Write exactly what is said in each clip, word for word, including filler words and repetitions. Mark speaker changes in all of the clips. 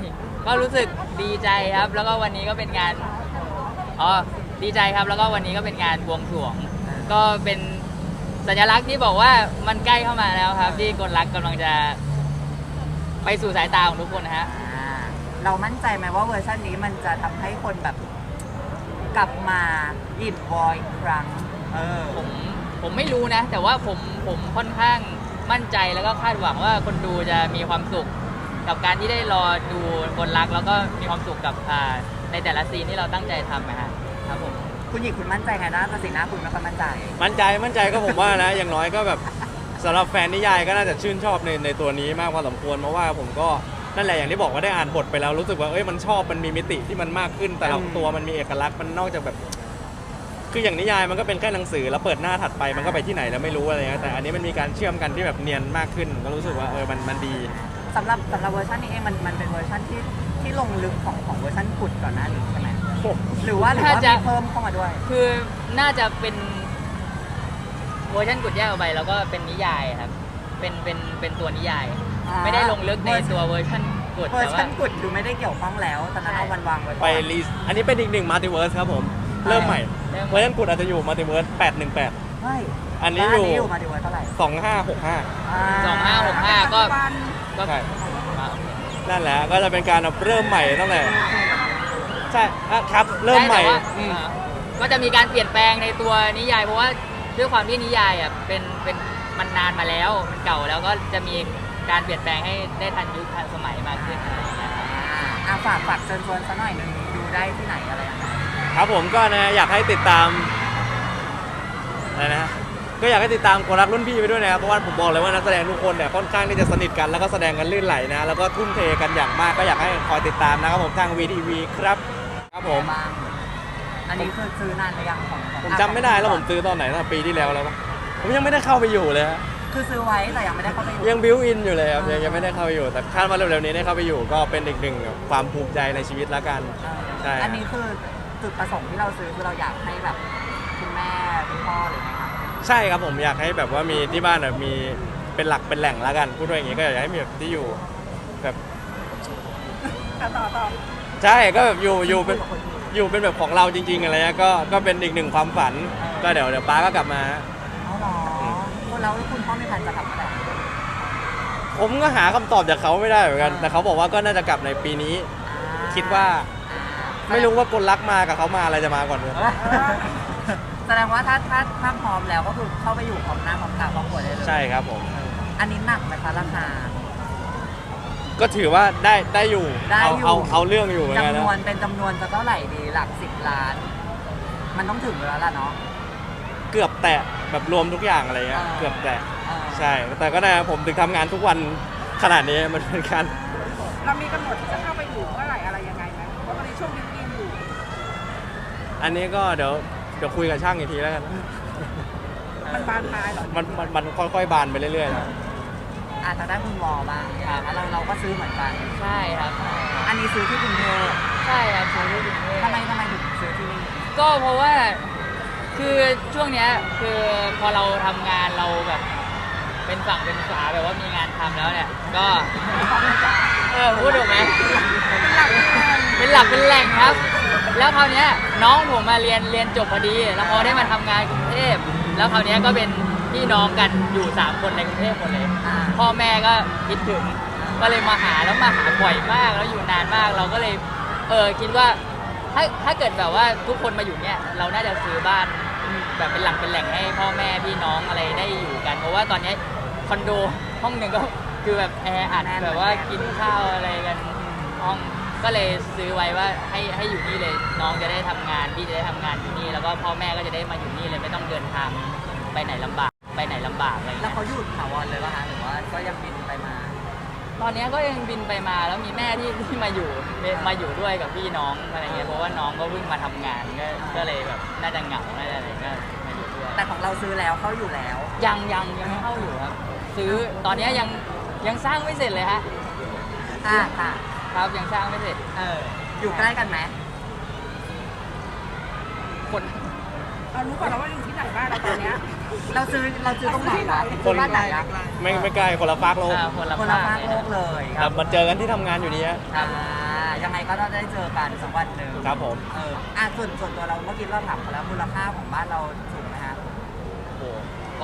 Speaker 1: ก็รู้สึกดีใจครับ แล้วก็วันนี้ก็เป็นงานอ๋อดีใจครับแล้วก็วันนี้ก็เป็นงานบวงสรวงก็เป็นสัญลักษณ์ที่บอกว่ามันใกล้เข้ามาแล้วครับที่กลรักกำลังจะไปสู่สายตาของทุกคนนะฮะ
Speaker 2: เรามั่นใจไหมว่าเวอร์ชันนี้มันจะทำให้คนแบบกลับมาอินวอยอีกครั้งเออ
Speaker 1: ผมผมไม่รู้นะ แต่ว่าผมผมค่อนข้างมั่นใจแล้วก็คาดหวังว่าคนดูจะมีความสุขกับการที่ได้รอดูกลรักแล้วก็มีความสุขกับในแต่ละซีนที่เราตั้งใจทำนะฮะครับผม
Speaker 2: คุณหญิงคุณมั่นใจไงนะแต่สีหน้าคุณไม่ค่อยมั่นใจ
Speaker 3: มั่นใจมั่นใจก็ผมว่านะอย่างน้อยก็แบบสำหรับแฟนนิยายก็น่าจะชื่นชอบในในตัวนี้มากพอสมควรเพราะว่าผมก็นั่นแหละอย่างที่บอกว่าได้อ่านบทไปแล้วรู้สึกว่าเอ้ยมันชอบมันมีมิติที่มันมากขึ้นแต่ละตัวมันมีเอกลักษณ์มันนอกจากแบบคืออย่างนิยายมันก็เป็นแค่หนังสือแล้วเปิดหน้าถัดไปมันก็ไปที่ไหนแล้วไม่รู้อะไรเงี้ยแต่อันนี้มันมีการเชื่อมกันที่แบบเนียนมากขึ้นก็รู้สึกว่าเออมันมันดี
Speaker 2: สำหรับสำหรับเวอร์ชันนี้เองมันมันเป็นเวอร์ชันที่ที่ลงลึกของของเวอร์ชันกุดก่อนหน้านี้ใช่ไหมหรือว่าหรือว่ามีเพิ่มเข้ามาด้วย
Speaker 1: คือน่าจะเป็นเวอร์ชันกุดแยกออกไปแล้วก็เป็นนิยายครับเป็นเป็นเป็นตัวนิยายไม่ได้ลงลึกในตัวเวอร์ชันกุด
Speaker 2: เวอร์ชันกุดดูไม่ได้เกี่ยวข้องแล้วตอนนั้นเอาวันวางไว้
Speaker 3: ไปรีสอันนี้เป็นอีกหนึ่งมัลติเวิร์สครับผมเริ่มใหม่เวอร์ชันกุดอาจจะอยู่มัลติเวิร์สแปดหนึ่งแปด
Speaker 2: ใช่
Speaker 3: อันนี้อยู่
Speaker 2: มัลติเวิร์สเท่าไหร่
Speaker 3: สองห้าหกห้า
Speaker 1: สองห้าหกห้าก็
Speaker 3: ก็ใช่นั่นแหละก็จะเป็นการเริ่มใหม่ตั้งแต่ใช่ครับเริ่มใหม่
Speaker 1: ก็จะมีการเปลี่ยนแปลงในตัวนิยายเพราะว่าด้วยความที่นิยายอ่ะเป็นเป็นมันนานมาแล้วมันเก่าแล้วก็จะมีการเปลี่ยนแปลงให้ได้ทันยุคทันสมัยมากขึ้นอะไรอย่างเงี้ย
Speaker 2: อ่าฝากฝากเชิญชวนซะหน่อยนึงดูได้ที่ไหนอะไรอย่างเงี้ย
Speaker 3: ครับผมก็นะอยากให้ติดตามอะไรนะก็อยากให้ติดตามกลรักรุ่นพี่ไปด้วยนะครับเพราะว่าผมบอกเลยว่านักแสดงทุกคนเนี่ยค่อนข้างที่จะสนิทกันแล้วก็แสดงกันลื่นไหลนะแล้วก็ทุ่มเทกันอย่างมากก็อยากให้คอยติดตามนะครับผมทาง วี ที วี ครับครับผม
Speaker 2: อันนี้คือซื้อนานหรือยังของ
Speaker 3: ผมจำไม่ได้แล้วผมซื้อตอนไหนตั้งปีที่แล้วแล้วผมยังไม่ได้เข้าไปอยู่เลย
Speaker 2: คือซื้อไว้แต่ยังไม่ได้เข้าไปอยู่
Speaker 3: ยังบิวอินอยู่เลยครับยังไม่ได้เข้าไปอยู่แต่คาดว่าเร็วๆนี้ได้เข้าไปอยู่ก็เป็นอีกหนึ่งความภูมิใจในชีวิตแล้วกัน
Speaker 2: ใช่อันนี้คือจุดประสงค์ที่เราซื้อคือเราอยากให้แบบคุณแม่คุณพ่อหรือไงครับ
Speaker 3: ใช่ครับผมอยากให้แบบว่ามีที่บ้านแบบมีเป็นหลักเป็นแหล่งแล้วกันพูดด้วยอย่างนี้ก็อยากให้มีแบบที่อยู่แบบ
Speaker 2: ต่อต่อ
Speaker 3: ใช่ก็แบบอยู่อยู่เป็นอยู่เป็นแบบของเราจริงๆอะไรเงี้ยก็ก็เป็นอีกหนึ่งความฝันก็เดี๋ยวเดี๋ยวป้าก็กลับมา
Speaker 2: อ๋อเหรอแล้วคุณพ่อไม่ทันจะกลับมาไหน
Speaker 3: ผมก็หาคำตอบจากเขาไม่ได้เหมือนกันแต่เขาบอกว่าก็น่าจะกลับในปีนี้คิดว่าไม่รู้ว่ากลรักมากับเขามาอะไรจะมาก่อนเลย
Speaker 2: แสดงว่าถ้าถ้าถ้าพร้อมแล้วก็คือเข้าไปอยู่พร้อมหน้าพร้อมตาพร้อมหัวได้เลย
Speaker 3: ใช่ครับผม
Speaker 2: อันนี้หนักไหมคะราคา
Speaker 3: ก็ถือว่าได้ได้อยู่เอาเอาเอาเรื่องอยู่
Speaker 2: จำนวนเป็นจำนวนจะเท่าไหร่ดีหลักสิบล้านมันต้องถึงแล้วล่ะเนาะ
Speaker 3: เกือบแตะแบบรวมทุกอย่างอะไรเงี้ยเกือบแตะใช่แต่ก็ได้ผมถึงทำงานทุกวันขนาดนี้มันเป็นการ
Speaker 2: เรามีกำหนดที่จะเข้าไปอยู่เมื่อไหร่อะไรยังไงไหมเพราะตอนนี้ช่วงบิวอินอยู่
Speaker 3: อันนี้ก็เดี๋ยวเดี๋ยวคุยกับช่างอีกทีแล้วกัน
Speaker 2: มันบานปลายเหรอ
Speaker 3: มันมันมันค่อยๆบานไปเรื่อยๆแล้ว
Speaker 2: อาจจะได้คุณวอบ้างครับเราเราก็ซื้อเหมือนกัน
Speaker 1: ใช่ครับ
Speaker 2: อันนี้ซื้อที่กรุงเทพ
Speaker 1: ใช่ครับซื้อที่กรุงเทพ
Speaker 2: ทำไมทำไมถึงซื้อที่นี่
Speaker 1: ก็เพราะว่าคือช่วงเนี้ยคือพอเราทำงานเราแบบเป็นฝั่งเป็นฝาแบบว่ามีงานทำแล้วเนี่ยก็เออพูดถูกไหมเป็นหลักเป็นแหล่งครับแล้วคราวนี้น้องผมมาเรียนเรียนจบพอดีแล้วพอได้มาทำงานกรุงเทพแล้วคราวนี้ก็เป็นพี่น้องกันอยู่สามคนในกรุงเทพหมดเลยพ่อแม่ก็คิดถึงก็เลยมาหาแล้วมาหาบ่อยมากแล้วอยู่นานมากเราก็เลยเออคิดว่าถ้าถ้าเกิดแบบว่าทุกคนมาอยู่เนี่ยเราน่าจะซื้อบ้านแบบเป็นหลักเป็นแหล่งให้พ่อแม่พี่น้องอะไรได้อยู่กันเพราะว่าตอนนี้คอนโดห้องหนึ่งก็คือแบบแออัดแบบว่ากินข้าวอะไรกันห้องก็เลยซื้อไว้ว่าให้ให้อยู่นี่เลยน้องจะได้ทำงานพี่จะได้ทำงานที่นี่แล้วก็พ่อแม่ก็จะได้มาอยู่นี่เลยไม่ต้องเดินทางไปไหนลำบากไปไหนลำบากอะไร
Speaker 2: แล้วเขาหยุดถาวรเลยป่ะคะหรือว่าก็ยังบินไปมา
Speaker 1: ตอนนี้ก็ยังบินไปมาแล้วมีแม่ที่ที่มาอยู่มาอยู่ด้วยกับพี่น้องอะไรเงี้ยเพราะว่าน้องก็เพิ่งมาทำงานก็ก็เลยแบบน่าจะเหงาน่าจะอะไรก็มาอยู่ด้วย
Speaker 2: แต่ของเราซื้อแล้วเข้าอยู่แล้ว
Speaker 1: ยังยังยังไม่เข้าอยู่ครับซื้อตอนนี้ยังยังสร้างไม่เสร็จเลยฮะ
Speaker 2: อ่าค่ะ
Speaker 1: ครับยังสร้างไม่เสร็จ
Speaker 2: เอออยู่ใกล้กันไหม
Speaker 1: คน
Speaker 2: เรารู้ก่อนแล้วว่าอยู่ที่ไหนบ้างเราตอนนี้เราซื้อเราซื้อตรงไหนล่ะคนบ้านไหน
Speaker 3: ไม่ไม่ไกลคนละฟากโลก
Speaker 1: คนละ
Speaker 2: ฟากโลกเลย
Speaker 3: ครับมาเจอกันที่ทำงานอยู่นี้
Speaker 2: อ่ายังไงก็ต้องได้เจอกันสักวันหนึ่ง
Speaker 3: ครับผม
Speaker 2: เอออ่ะส่วนส่วนตัวเราเมื่อกี้เราถามเขาแล้วมูลค่าของบ้านเราสูงไหมฮะ
Speaker 1: โอ้โหก็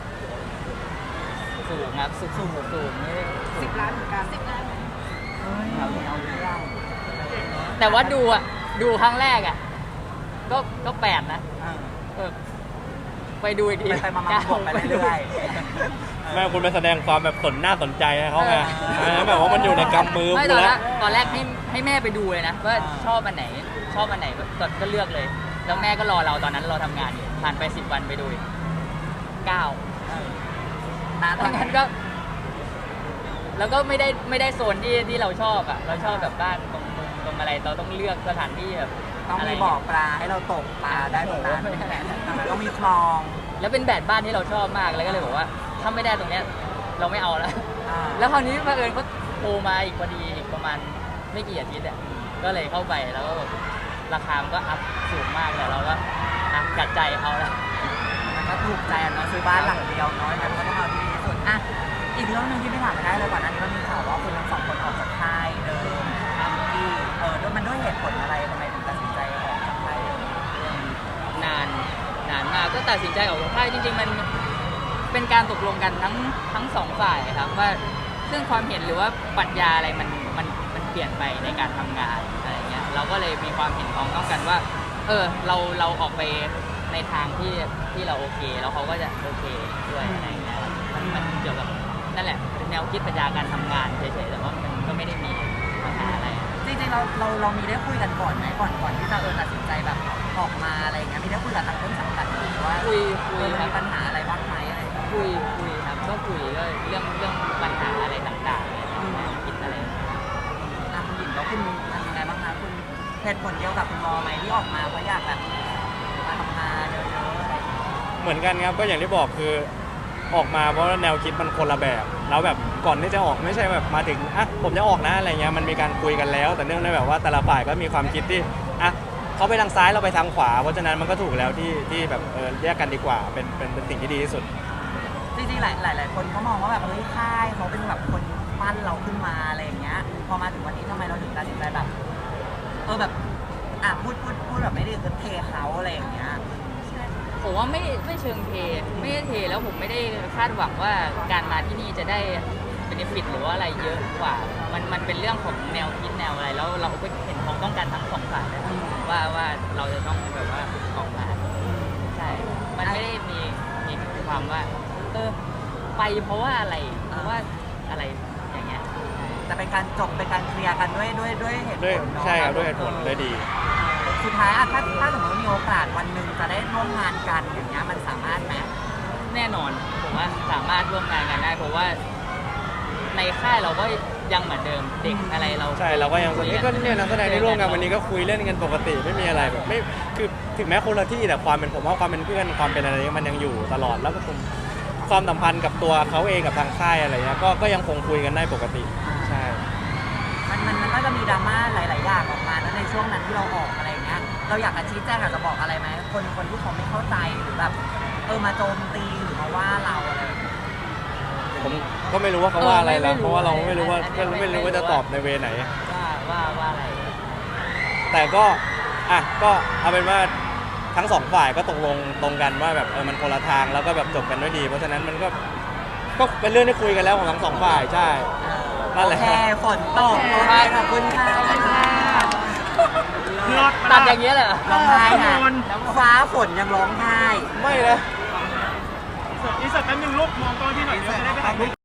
Speaker 1: สูงครับสูงสูงสูงไม่ได้
Speaker 2: สิบล้านเหมือนกันสิบล้านเฮ้ยเอาเอาเรื่อง
Speaker 1: แต่ว่าดูอ่ะดูครั้งแรกอ่ะก็ก็แปดนะ
Speaker 2: เออ
Speaker 1: เออไปดูอีกที
Speaker 2: ไปไปมาๆบวกไปเรื่อยๆ
Speaker 3: แม่คุณไปแสดงความแบบสนหน้าสนใจให้เขาไง
Speaker 2: เออ
Speaker 3: เออแบบว่ามันอยู่ในกำมือ
Speaker 1: ไม่
Speaker 3: คุ
Speaker 1: ต
Speaker 3: ณ
Speaker 1: อนแร
Speaker 3: แล้ว
Speaker 1: กตอนแรกให้ให้แม่ไปดูเลยนะว่า
Speaker 2: อ่า
Speaker 1: ชอบอันไหน ชอบอันไหนก็ก็เลือกเลย แล้วแม่ก็รอเราตอนนั้นเราทำงานอยู่ผ่านไปสิบวันไปดูอีกเก้า
Speaker 2: เออนะ
Speaker 1: ตอนนั้นก็ แล้วก็ไม่ได้ไม่ได้โซนที่ที่เราชอบอ่ะ เราชอบแบบบ้านตรงมุมตรงอะไรเราต้องเลือกสถานที่แบบ
Speaker 2: ต้อง
Speaker 1: อะไร
Speaker 2: มีบ่อปลาให้เราตกปลาได้ตรงนั้นต้องมีคลอง
Speaker 1: แล้วเป็นแบบบ้านที่เราชอบมากแล้วก็เลยบอกว่าถ้าไม่ได้ตรงเนี้ย เราไม่เอาแล้ว
Speaker 2: อ่า
Speaker 1: แล้วคราวนี้บังเอิญเขาโทรมาอีกพอดีอีกประมาณไม่กี่อาทิตย์อ่ะก็เลยเข้าไปแล้วก็แบบราคามันก็อัพสูงมากเลยเราก็อ่ะกัดใจเอาแล้ว
Speaker 2: มันก็ถูกใจอะเนาะซื้อบ้านหลังเดียวน้อยมันก็ต้องเอาที่ดีที่สุดอ่ะอีกเรื่องหนึงที่ไม่ถามไม่ได้เลยก่อนหน้านี้มันมีข่าวว่าคุณทั้งสองคนออกจากค่ายเดิมอาร์กี้เออด้วยมันด้วยเหตุผลอะไรทำไมถึงตัดสินใจออกจากค่ายเดิม
Speaker 1: นานนานมากก็ตัดสินใจออกจากค่ายจริงๆมันเป็นการตกลงกันทั้งทั้งสองฝ่ายครับว่าซึ่งความเห็นหรือว่าปรัชญาอะไรมันมันมันเปลี่ยนไปในการทำงานอะไรเงี้ยเราก็เลยมีความเห็นพ้องต้องกันว่า เออเราเราออกไปในทางที่ที่เราโอเค แล้วเขาก็จะโอเคด้วยอะไรเงี้ยมันมันเกี่ยวกับนั่นแหละแนวคิดปรัชญาการทำงานเฉยๆแต่ว่ามันก็ไม่ได้มีปัญหาอะไร
Speaker 2: จริงๆเราเราเรามีได้คุยกันก่อนไหมก่อนก่อนที่จะเออตัดสินใจแบบออกมาอะไรอย่างเงี้ยมีได้คุยกับทางต้นสังกัดหรือว่า
Speaker 1: คุยคุย
Speaker 2: เออ
Speaker 1: ครั
Speaker 2: มี
Speaker 1: บ
Speaker 2: ปัญหาอะไรบ้างไหมอะไรอย่างเงี้ย
Speaker 1: คุยคุยครับก็คุยก็เรื่องเรื่องปัญหาอะไรต่างๆเนี่ยแนวคิดอะไร
Speaker 2: อ่ะคุณหญิงแล้วคุณทำยังไงบ้างคะคุณเหตุผลเดียวกับคุณมอไหมที่ออกมาเพราะอยากแบบมาทำงานเยอะๆอะไรอย่างเงี้ย
Speaker 3: เหมือนกันครับก็อย่างที่บอกคือออกมาเพราะว่าแนวคิดมันคนละแบบแล้วแบบก่อนที่จะออกไม่ใช่แบบมาถึงอ่ะผมจะออกนะอะไรเงี้ยมันมีการคุยกันแล้ว แต่เนื่องในแบบว่าแต่ละฝ่ายก็มีความคิดที่อ่ะเขาไปทางซ้ายเราไปทางขวา เพราะฉะนั้นมันก็ถูกแล้วที่ที่แบบเออแยกกันดีกว่าเป็นเป็นเป็นสิ่งที่ดีที่สุด
Speaker 2: จริงๆหลายหลายหลายคนเขามองว่าแบบเฮ้ยค่ายเขาเป็นแบบคนปั้นเราขึ้นมาอะไรอย่างเงี้ยพอมาถึงวันนี้ทำไมเราถึงตัดสินใจแบบเออแบบอ่ะพูดพูดพูดแบบไม่ได้คือเทเขาอะไรอย่างเงี้ย
Speaker 1: ผมว่าไม่ไม่เชิงเทไม่ได้เทแล้วผมไม่ได้คาดหวังว่าการมาที่นี่จะได้เบนฟิตหรือว่าอะไรเยอะกว่า มันมันเป็นเรื่องของแนวคิดแนวอะไรแล้วเราก็เห็นพ้องต้องการทั้งสองฝ่ายนะครับว่าว่าเราจะต้องแบบว่าออกมาใช่ มันไม่ได้มีมีความว่าเออไปเพราะว่าอะไรเพราะว่าอะไรอย่างเงี้ย
Speaker 2: แต่เป็นการจบเป็นการเคลียร์กันด้วยด้วยด้วยเหตุผ
Speaker 3: ด้วย
Speaker 2: ลเนาะ
Speaker 3: ใช่ครับด้วยเหตุผลเลยดี
Speaker 2: สุดท้ายอะถ้าถ้าสมมติว่ามีโอกาสวันหนึ่งจะได้ร่วมงานกันอย่างเงี้ยมันสามารถไหม
Speaker 1: แน่นอนผมว่าสามารถร่วมงานกันได้เพราะว่าในค่ายเราก็ยังเหมือนเดิมเด็กอะไรเรา
Speaker 3: ใช่เราก็ยัง
Speaker 1: คุ
Speaker 3: นี่ก็เนี่ยนักแสดงที่ร่วมกันวันนี้ก็คุยเล่นกันปกติไม่มีอะไรแบบไม่คือถึงแม้คนละที่แต่ความเป็นผมว่าความเป็นเพื่อนความเป็นอะไรมันยังอยู่ตลอดแล้วก็ผมความสัมพันธ์กับตัวเขาเองกับทางค่ายอะไรเงี้ยก็ก็ยังคงคุยกันได้ปกติใช่
Speaker 2: มันมันมันก็จะมีดราม่าหลาย ๆ อย่างออกมาแล้วในช่วงนั้นที่เราออกอะไรอย่างเงี้ยเราอยากจะชี้แจงอยากจะบอกอะไรไหมคนคนที่เขาไม่เข้าใจหรือแบบเออมาโจมตีหรือมาว่าเราอะไรอย่างเงี้ย
Speaker 3: ผมก็ไม่รู้ว่าเขาว่าอะไรแล้วเพราะว่าเราไม่รู้ว่าไม่รู้ไม่รู้ว่าจะตอบในเวไหน
Speaker 1: ว่าว่าว่าอะไร
Speaker 3: แต่ก็อ่ะก็เอาเป็นว่าทั้งสองฝ่ายก็ตกลงตรงกันว่าแบบเออมันคนละทางแล้วก็แบบจบกันด้วยดี เพราะฉะนั้นมันก็ก็เป็นเรื่องที่คุยกันแล้วของทั้งสองฝ่ายใช่นั่นแหละ
Speaker 2: โอเคฝนตกโอเคขอบคุณค่ะ
Speaker 1: ตัดอย่างเงี้ยเลยเหรอ
Speaker 2: ร้องไห้นะฟ้าฝนยังร้องไห้
Speaker 3: ไม่นะ
Speaker 4: อีกสักแป๊บนึงลูกมองกล้องที่หน่อยเดี๋ยวจะได้ไปถ่ายรูป